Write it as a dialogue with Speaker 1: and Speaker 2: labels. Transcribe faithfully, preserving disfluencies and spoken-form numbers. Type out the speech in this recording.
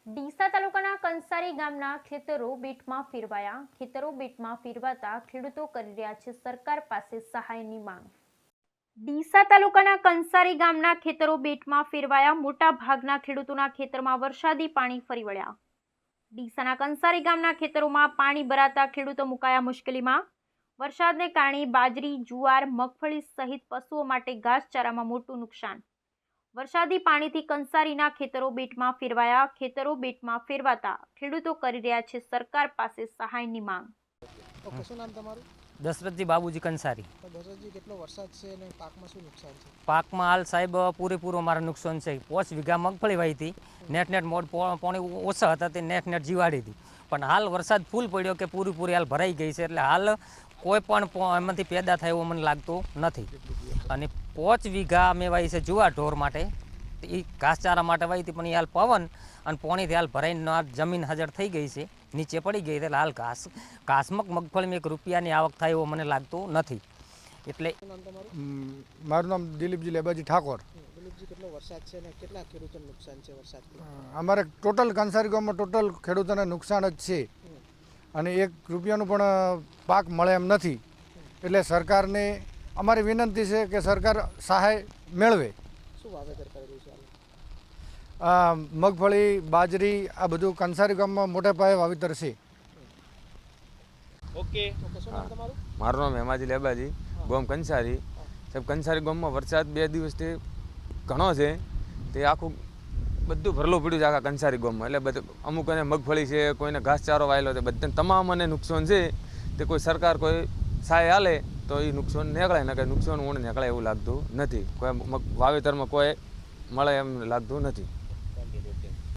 Speaker 1: ડીસા તાલુકાના કંસારી ગામના ખેતરો બેટમાં ફેરવાયા ખેતરો બેટમાં ફેરવાતા ખેડૂતો કરી રહ્યા છે સરકાર પાસે સહાયની માંગ। ડીસા તાલુકાના કંસારી ગામના ખેતરો બેટમાં ફેરવાયા મોટા ભાગના ખેડૂતોના ખેતરમાં વરસાદી પાણી ફરી વળ્યા। ડીસાના કંસારી ગામના ખેતરોમાં પાણી ભરાતા ખેડૂતો મુકાયા મુશ્કેલીમાં। વરસાદને કારણે બાજરી, જુવાર, મગફળી સહિત પશુઓ માટે ઘાસચારામાં મોટું નુકસાન। વરસાદી પાણીથી કંસારીના ખેતરો બેટમાં ફેરવાયા ખેતરો બેટમાં ફેરવાતા ખેડૂતો કરી રહ્યા છે સરકાર પાસે સહાયની માંગ।
Speaker 2: ઓકે, શું નામ તમારું?
Speaker 3: દશરથજી બાબુજી કંસારી।
Speaker 2: તો દશરથજી, કેટલો વરસાદ છે અને પાકમાં શું નુકસાન છે?
Speaker 3: પાકમાં હાલ સાહેબ પૂરેપૂરો મારા નુકસાન છે। પાંચ વીઘા મગફળી વાવી હતી, નેટ નેટ મોડ પાણી ઓછા હતા તે નેટ નેટ જીવાડી હતી, પણ હાલ વરસાદ ફૂલ પડ્યો કે પૂરેપૂરી હાલ ભરાઈ ગઈ છે, એટલે હાલ કોઈ પણ એમાંથી પેદા થાય એવું મને લાગતું નથી। અને પાંચ વીઘા મેં વાવી છે જુવાર ઢોર માટે, એ ઘાસચારા માટે વાવી હતી, પણ એ હાલ પવન અને પાણીથી હાલ ભરાઈને જમીન હાજર થઈ ગઈ છે, નીચે પડી ગઈ, એટલે હાલ ઘાસ ઘાસમક મગફળીમાં એક રૂપિયાની આવક થાય એવું મને લાગતું નથી। એટલે
Speaker 4: મારું નામ દિલીપજી લેબાજી ઠાકોર।
Speaker 2: દિલીપજી, કેટલો વરસાદ છે અને કેટલા ખેડૂતોને નુકસાન છે વરસાદથી?
Speaker 4: અમારે ટોટલ કંસારી ગામમાં ટોટલ ખેડૂતોને નુકસાન જ છે અને એક રૂપિયાનું પણ પાક મળે એમ નથી, એટલે સરકારને અમારી વિનંતી છે કે સરકાર સહાય મેળવે।
Speaker 2: શું વાવેતર કરેલું છે?
Speaker 4: મગફળી, બાજરી આ બધું કંસારી ગામમાં મોટા પાયે વાવેતર છે।
Speaker 2: ઓકે ઓકે, શું નામ તમારું?
Speaker 5: મારું નામ હેમાજી લેબાજી, ગામ કંસારી। સાહેબ, કંસારી ગામમાં વરસાદ બે દિવસથી ઘણો છે, તે આખું બધું ભરેલું પડ્યું છે આખા કંસારી ગામમાં, એટલે બધું અમુકને મગફળી છે, કોઈને ઘાસચારો વાયેલો છે, બધાને તમામને નુકસાન છે, તે કોઈ સરકાર કોઈ સહાય હાલે તો એ નુકસાન નીકળે, ને કે નુકસાન ઊણ નીકળે એવું લાગતું નથી, કોઈ વાવેતરમાં કોઈ મળે એમ લાગતું નથી।